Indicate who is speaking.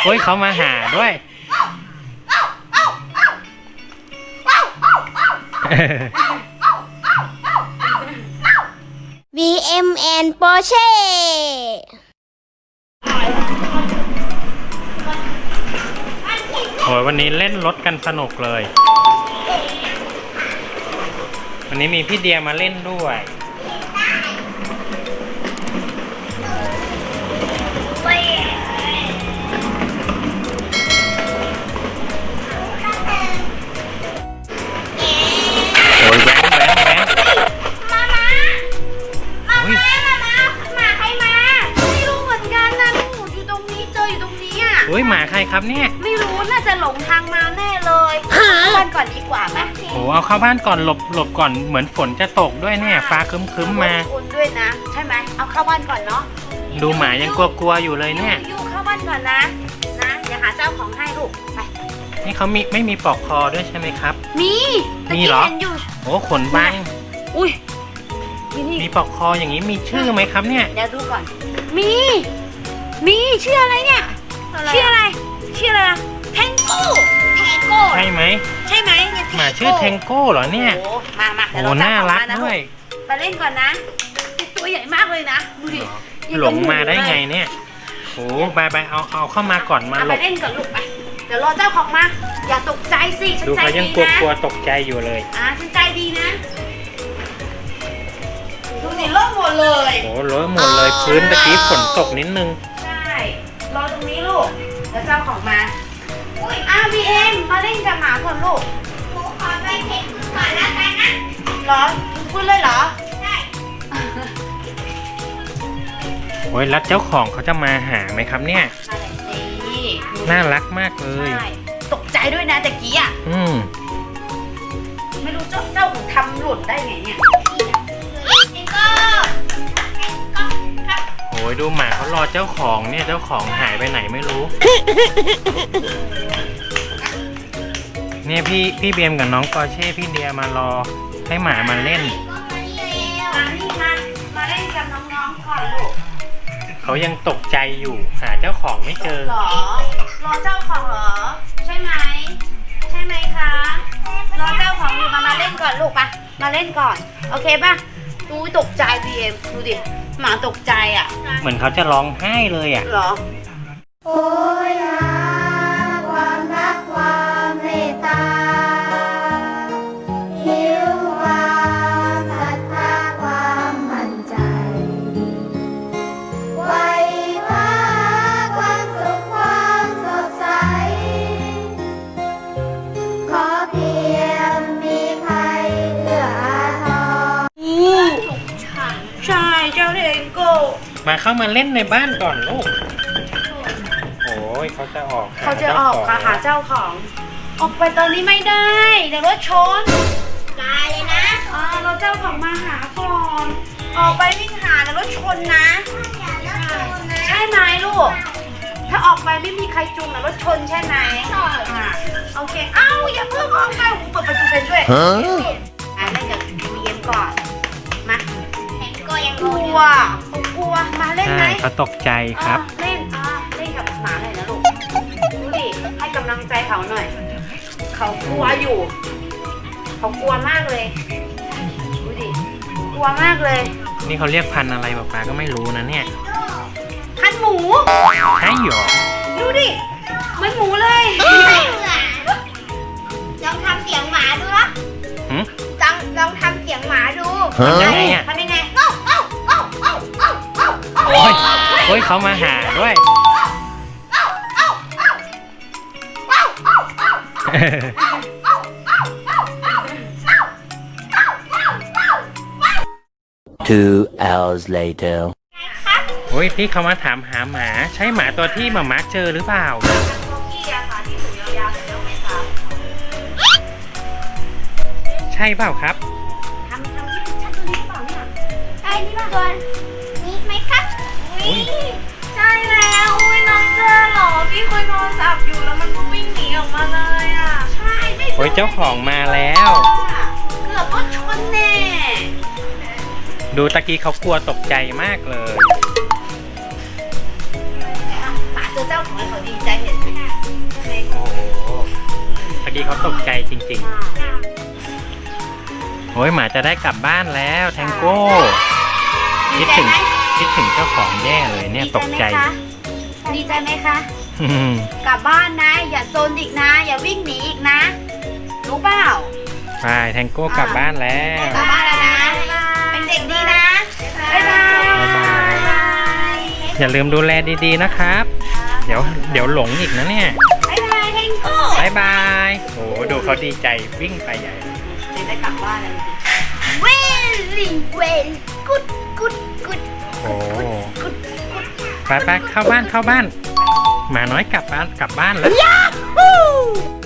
Speaker 1: โอ้ยเขามาหาด้วย
Speaker 2: VMN Porsche
Speaker 1: โอ้ยวันนี้เล่นรถกันสนุกเลย วันนี้มีพี่เดียมาเล่นด้วยโอ้ยแว้น
Speaker 2: มาใครมาไม่รู้เหมือนกันนะลูกอยู่ตรงนี้เจออยู่ตรงนี้อ่ะ
Speaker 1: โอ้ยหมาใครครับเนี่ย
Speaker 2: ไม่รู้น่าจะหลงทางมาแน่เลยเข้าบ้านก่อนดีกว่าไหม
Speaker 1: โอ้เอาเข้าบ้านก่อนหลบก่อนเหมือนฝนจะตกด้วยเนี่ยฟ้าครึ้มมา
Speaker 2: อุ่นด้วยนะใช่ไหมเอาเข้าบ้านก่อนเนาะ
Speaker 1: ดูหมายังกลัวๆอยู่เลยเนี่ย
Speaker 2: ยูเข้าบ้านก่อนนะเดี๋ยวหาเจ้าของให้ลูกไป
Speaker 1: นี่เขาไม่มีปลอกคอด้วยใช่ไหมครับ
Speaker 2: มี
Speaker 1: เหรอ
Speaker 2: เห็นอยู่
Speaker 1: โอ้ขนบาง
Speaker 2: อุ้ยนี่
Speaker 1: มีปลอกคออย่างนี้มีชื่อไหมครับเนี่ย
Speaker 2: เดี๋ยวดูก่อนมีชื่ออะไรเนี่ยชื่ออะไรอะแทงโก้
Speaker 1: ใช่ไหม
Speaker 2: ใช่ไหม
Speaker 1: หมาชื่อเทงโก้เหรอเนี่ย
Speaker 2: โอ้มา
Speaker 1: โอ้น่ารักด้วย
Speaker 2: ไปเล่นก่อนนะตัวใหญ่มากเลยนะดูดิ
Speaker 1: หลงมาได้ไงเนี่ยโอ้บายเอาเข้ามาก่อนมาหล
Speaker 2: ไป
Speaker 1: บ
Speaker 2: เล่นก่อนลูกไปเดี๋ยวรอเจ้าของมาอย่าตกใจสิฉัน
Speaker 1: ดู
Speaker 2: ใจ
Speaker 1: เขายั
Speaker 2: ดี
Speaker 1: ง
Speaker 2: นะ
Speaker 1: กลัวตกใจอยู่เลย
Speaker 2: ฉันใจดีนะดูสิโล่งหมดเลย
Speaker 1: โอ้เลอะหมดเลยพื้นตะกี้ฝนตกนิดนึง
Speaker 2: ใช่รอตรงนี้ลูกแล้วเจ้าของมาบีเอ็มมาเล่นกับหมาก่อนลูกหนูขอไปเช็คพื้นก่อนแล้วกันนะเหรอพื้นเลยเหรอใช่
Speaker 1: โอ้ยแล้วเจ้าของเขาจะมาหาไหมครับเนี่ยน่ารักมากเลย
Speaker 2: ใช่ตกใจด้วยนะตะกี้อ่ะไม่รู้เจ้าของทำหล่นได้ไงเนี่ย
Speaker 1: โอ้ยดูหมาเขารอเจ้าของเนี่ยเจ้าของหายไปไหนไม่รู้ เนี่ยพี่เบียมกับน้องปอร์เช่พี่เดียมารอให้หมามาเล่น
Speaker 2: นี่มาเล่นกับน้องๆก่อนลูก
Speaker 1: เขายังตกใจอยู่หาเจ้าของไม่เจอ
Speaker 2: หรอรอเจ้าของเหรอใช่ไหมคะรอเจ้าของอยู่มาเล่นก่อนลูกปะมาเล่นก่อนโอเคปะดูตกใจบีเอ็มดูดิหมาตกใจอ่ะ
Speaker 1: เหมือนเขาจะร้องไห้เลยอ่ะ
Speaker 2: หรอ
Speaker 3: โอ้ยหาความรักความเมตตาหิวความศรัทธาความมั่นใจไว้พาความสุขความสดใสขอเพียงมีใครเอื้ออาทร
Speaker 2: ใช่เจ้าเทงโก้
Speaker 1: มาเข้ามาเล่นในบ้านก่อนลูกโอ้ยเขาจะออก
Speaker 2: เขาจะออกค่ะหาเจ้าของ ออกไปตอนนี้ไม่ได้เดี๋ยวรถชนตายเลยนะเราเจ้าของมาหาก่อนออกไปวิ่งหาเดี๋ยวรถชนนะใช่ไหมลูกถ้าออกไปไม่มีใครจูงนะรถชนใช่ไหมโอเคอย่าเพิ่งออกไปเปิดประตูเป็นด้วยเล่นกับบีเอ็มก่อนมาก็ยังกลัวมาเล่นไหม
Speaker 1: ใช่เขาตกใจครับ
Speaker 2: เล่นกับหมาหน่อยนะลูกดูดิให้กำลังใจเขาหน่อยเขากลัวอยู่เขากลัวมากเลยดูดิกลัวมากเลย
Speaker 1: นี่เขาเรียกพันธุ์อะไรป๊าก็ไม่รู้นะเนี่ย
Speaker 2: พันหมู
Speaker 1: ใช่หรอ
Speaker 2: ดูดิเหมือนหมูเลย
Speaker 3: ลองทำเสียงหมาดูนะ
Speaker 1: หืม
Speaker 3: ลองทำเสียงหมาดู
Speaker 1: ทำยังไงอ่ะ
Speaker 2: ทำยังไง
Speaker 1: โอ้ยเขามาหาด้วย
Speaker 4: 2 hours later
Speaker 1: โอ้ยพี่เขามาถามหาหมาใช่หมาตัวที่หมาเจอหรือเปล่า
Speaker 2: โมกี้อะค่ะที่หูยาวๆแต่ต้องไหมคะ
Speaker 1: ใช่เปล่าครับ
Speaker 2: ทำที่ชัดตัวนี้หรือเปล่าเนี่ย
Speaker 3: ไอ้นี่ตัวนี้ไหมครับ
Speaker 1: อุ๊ย
Speaker 2: ใช่แล้วน้องเจอเหรอพี่คุยโทรศัพท์อยู่แล้วมันก็วิ่งหนีออกมาเลยอ่ะใช่ไม่
Speaker 1: โอ้ยเจ้าของมาแล้ว
Speaker 2: เกือบรถชนแน่
Speaker 1: ดูตะกี้เขากลัวตกใจมากเลย
Speaker 2: หมาเจอเจ้าของแล้วเขาดีใจเห็น
Speaker 1: เขาตกใจจริงๆโอ้ยหมาจะได้กลับบ้านแล้วแทงโก้คิดถึงเจ้าของแย่เลยเนี่ยตกใจ
Speaker 2: ดีใจไหมคะกลับบ้านนะ อย่าโซนอีกนะ อย่าวิ่งหนีอีกนะ รู้เปล่า
Speaker 1: ไปแทงโก้กลับบ้านแล้ว
Speaker 2: กลับบ้านแล้วนะ เป็นเด็กดีนะ บ๊ายบาย
Speaker 1: อย่าลืมดูแลดีๆนะครับ เดี๋ยวหลงอีกนะเนี่ย
Speaker 2: บ๊ายบายเฮงโก้
Speaker 1: บายบายโอ้ดูเขาดีใจวิ่งไปใหญ่
Speaker 2: เดี๋ยวได้กลับบ้านแล้วเวลิงเวลกุดกุดกุด
Speaker 1: โอ้ไปเข้าบ้านหมาน้อยกลับบ้านแล้ว
Speaker 2: Yahoo!